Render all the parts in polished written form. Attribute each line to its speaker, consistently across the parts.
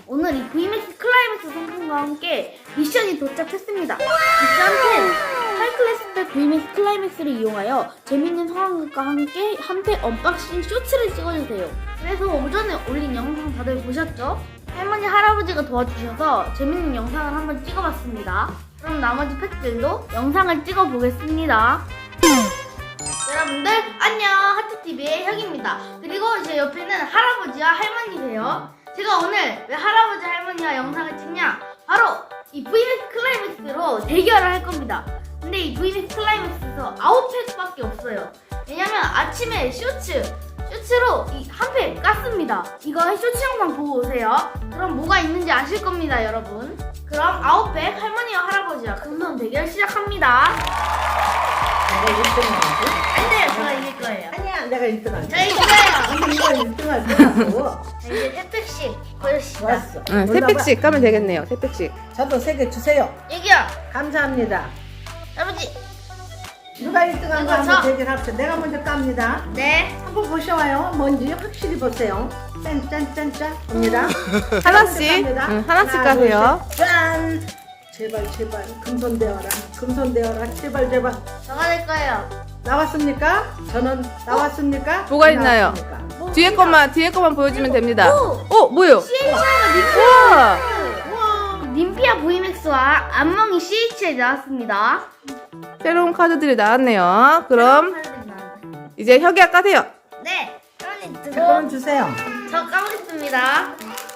Speaker 1: 오늘 이 VMAX 클라이맥스 상품과 함께 미션이 도착했습니다. 미션 10 하이클래스 때 VMAX 클라이맥스를 이용하여 재밌는 상황극과 함께 한패 언박싱 쇼츠를 찍어주세요. 그래서 오전에 올린 영상 다들 보셨죠? 할머니 할아버지가 도와주셔서 재밌는 영상을 한번 찍어봤습니다. 그럼 나머지 팩들도 영상을 찍어보겠습니다. 여러분들 안녕, 하트TV의 혁입니다. 그리고 제 옆에는 할아버지와 할머니세요. 제가 오늘 왜 할아버지 할머니와 영상을 찍냐, 바로 이 VMAX 클라이맥스로 대결을 할 겁니다. 근데 이 VMAX 클라이맥스에서 9팩밖에 없어요. 왜냐면 아침에 쇼츠로 이 한 팩 깠습니다. 이거 쇼츠 영상 보고 오세요. 그럼 뭐가 있는지 아실 겁니다, 여러분. 그럼 9팩 할머니와 할아버지와 금손 대결 시작합니다.
Speaker 2: 내가 1등하지?
Speaker 1: 안 돼요, 제가 이길 거예요.
Speaker 2: 아니야, 내가 1등하지.
Speaker 1: 저 이겨요.
Speaker 2: 이거 1등할 거라고.
Speaker 1: 자, 이제 3팩씩 보여주시다.
Speaker 2: 좋았어.
Speaker 3: 응, 3팩씩 까면 되겠네요. 3팩씩.
Speaker 2: 저도 3개 주세요.
Speaker 1: 여기요,
Speaker 2: 감사합니다.
Speaker 1: 할아버지.
Speaker 2: 누가 1등한 거
Speaker 1: 이거
Speaker 2: 한번
Speaker 1: 저.
Speaker 2: 대결합시다. 내가 먼저 깝니다.
Speaker 1: 네.
Speaker 2: 한번 보셔요. 뭔지 확실히 보세요. 짠짠짠짠. 봅니다.
Speaker 3: 하나씩.
Speaker 2: 깝니다.
Speaker 3: 응, 하나씩
Speaker 2: 하나,
Speaker 3: 까세요.
Speaker 2: 둘, 셋. 짠. 제발 금손되어라. 금손되어라. 제발.
Speaker 1: 저가 될 거예요.
Speaker 2: 나왔습니까? 저는 나왔습니까?
Speaker 3: 뭐가
Speaker 2: 안
Speaker 3: 있나요?
Speaker 2: 나왔습니까?
Speaker 1: 뭐,
Speaker 3: 뒤에 것만 보여주면 됩니다.
Speaker 1: 오!
Speaker 3: 뭐요?
Speaker 1: CHI가
Speaker 3: 우와!
Speaker 1: 님피아 VMAX와 안멍이 CHI 나왔습니다.
Speaker 3: 새로운 카드들이 나왔네요. 그럼 이제 혁이가 까세요.
Speaker 1: 네. 할머니
Speaker 2: 자, 그럼
Speaker 1: 들고
Speaker 2: 주세요.
Speaker 1: 저 까보겠습니다.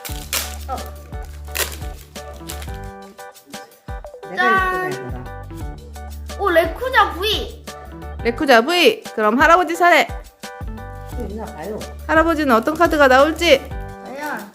Speaker 2: 내가
Speaker 1: 짠.
Speaker 2: 1등 할 거라.
Speaker 1: 오, 레쿠자 V.
Speaker 3: 레쿠자 V. 그럼 할아버지 차례.
Speaker 2: 또 있나 봐요.
Speaker 3: 할아버지는 어떤 카드가 나올지.
Speaker 1: 과연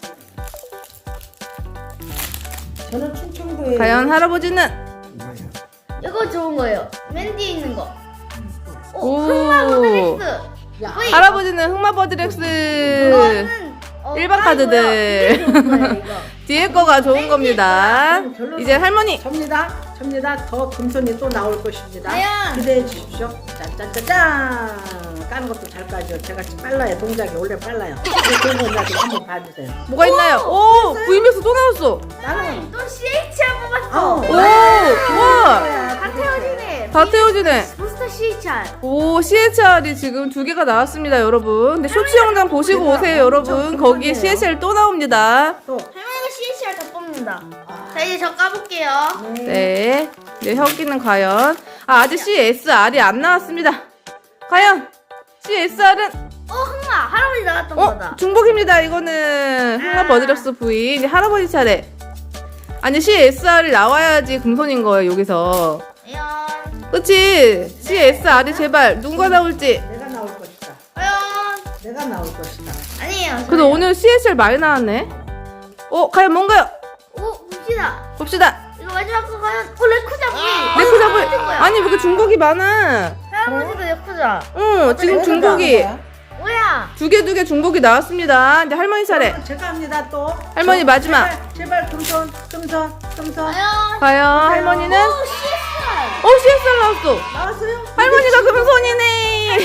Speaker 2: 저는 충청도에
Speaker 3: 과연 할아버지는?
Speaker 1: 이거 좋은 거예요. 맨 뒤에 있는 거. 오,
Speaker 3: 오.
Speaker 1: 흑마 모델렉스.
Speaker 2: 야,
Speaker 1: V.
Speaker 3: 할아버지는 흑마버드렉스.
Speaker 1: 이거는
Speaker 3: 일반
Speaker 1: 까고요.
Speaker 3: 카드들.
Speaker 1: 이게 좋은 거예요, 이거.
Speaker 3: 뒤에 거가 좋은 겁니다.
Speaker 2: 별로
Speaker 3: 이제 할머니.
Speaker 2: 접니다. 더 금손이 또 나올 것입니다.
Speaker 1: 과연?
Speaker 2: 기대해 주십시오. 짠짠짠짠. 까는 것도 잘 까죠. 제가 빨라요. 동작이 원래 빨라요. 그런 거 나도 한번 봐주세요.
Speaker 3: 뭐가 있나요? 오! VMAX 또 나왔어.
Speaker 2: 나는
Speaker 1: 또 CHR 뽑았어.
Speaker 2: 아우.
Speaker 3: 오! 우와!
Speaker 1: 다 태워지네.
Speaker 3: 다 태워지네.
Speaker 1: 부스터 CHR.
Speaker 3: 오, CHR이 지금 2개가 나왔습니다, 여러분. 근데 쇼츠 영상 보시고 오세요, 여러분. 거기에 CHR 또 나옵니다.
Speaker 2: 또
Speaker 1: 할머니가 CHR 다 뽑는다. 자, 이제 저 까볼게요.
Speaker 3: 네. 이제 혁이는 과연. 아직 CSR이 안 나왔습니다. 과연 CSR은?
Speaker 1: 흑마. 할아버지 나갔던 거다.
Speaker 3: 중복입니다. 이거는 흑마버드렉스 V. 이제 할아버지 차례. 아니, CSR이 나와야지 금손인 거예요, 여기서.
Speaker 1: 과연.
Speaker 3: 그치? CSR이 제발 누가 나올지.
Speaker 2: 내가 나올 것이다.
Speaker 1: 과연.
Speaker 2: 내가 나올 것이다.
Speaker 1: 아니에요.
Speaker 3: 그래도 오늘 CSR 많이 나왔네. 과연 뭔가요?
Speaker 1: 오, 봅시다.
Speaker 3: 봅시다.
Speaker 1: 이거 마지막 거 과연. 오, 레쿠자 V.
Speaker 3: 레쿠자 V.
Speaker 1: 거야.
Speaker 3: 아니, 왜 이렇게 중복이 많아?
Speaker 1: 할아버지도 레쿠자.
Speaker 3: 지금
Speaker 2: 내가
Speaker 3: 중복이
Speaker 2: 나온 거야.
Speaker 1: 뭐야?
Speaker 3: 두 개 중복이 나왔습니다. 이제 할머니 차례.
Speaker 2: 제가 합니다. 또
Speaker 3: 할머니 마지막.
Speaker 2: 제발 금손.
Speaker 1: 과연.
Speaker 3: 과연 할머니는?
Speaker 1: 오, CSR.
Speaker 3: CSR 나왔어.
Speaker 2: 나왔어요?
Speaker 3: 할머니가 금손이네.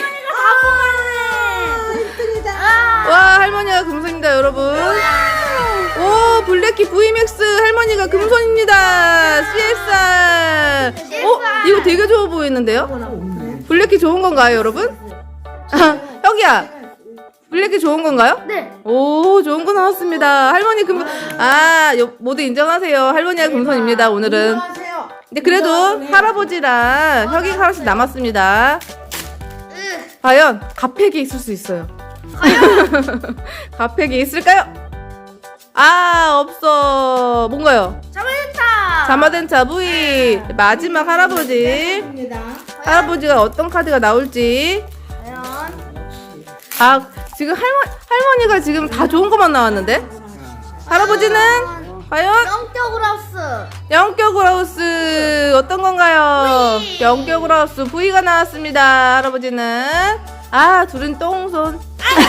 Speaker 1: 다 뽑았네.
Speaker 2: 1등이다.
Speaker 3: 와, 할머니가 금손입니다, 여러분. 오, 블랙키 VMAX 할머니가 금손입니다. CSR. 이거 되게 좋아 보이는데요? 블랙키 좋은 건가요, 여러분? 혁이야, 블랙키 좋은 건가요?
Speaker 1: 네.
Speaker 3: 오, 좋은 거 나왔습니다. 할머니 금손. 모두 인정하세요. 할머니가 금손입니다, 오늘은.
Speaker 2: 안녕하세요.
Speaker 3: 근데 그래도 할아버지랑 혁이가 하나씩 남았습니다.
Speaker 1: 으,
Speaker 3: 과연 가팩이 있을 수 있어요. 가팩이 있을까요? 없어. 뭔가요?
Speaker 1: 자마덴타.
Speaker 3: 자마덴차 V. 마지막 할아버지.
Speaker 2: 입니다.
Speaker 3: 할아버지가 어떤 카드가 나올지.
Speaker 1: 과연.
Speaker 3: 지금 할머니가 지금 다 좋은 것만 나왔는데? 할아버지는 과연
Speaker 1: 영격으로 하우스.
Speaker 3: 영격으로 하우스 어떤 건가요?
Speaker 1: V.
Speaker 3: 영격으로 하우스 V가 나왔습니다. 할아버지는 둘은 똥손.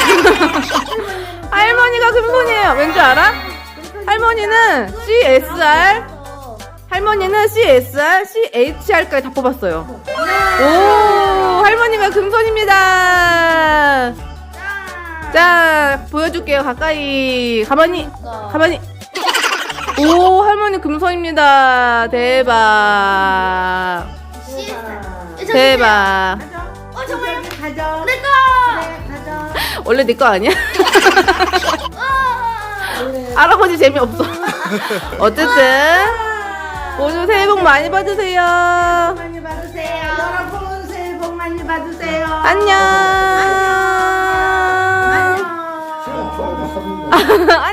Speaker 3: 할머니가 금손이에요. 왠지 알아? 할머니는 CSR, 할머니는 CSR, CHR까지 다 뽑았어요. 오, 할머니가 금손입니다. 자, 보여줄게요. 가까이. 가만히. 오, 할머니 금손입니다. 대박. 대박.
Speaker 1: 어 정말
Speaker 2: 가져.
Speaker 1: 내꺼.
Speaker 2: 그래, 가져.
Speaker 3: 원래 네 거 아니야?
Speaker 2: 원래
Speaker 3: 할아버지 재미없어. 어쨌든 모두 새해 복 많이 받으세요.
Speaker 2: 많이 받으세요. 여러분 새해 복 많이 받으세요.
Speaker 3: 안녕.
Speaker 2: 안녕.
Speaker 4: 시간 좋아요.
Speaker 3: 안녕.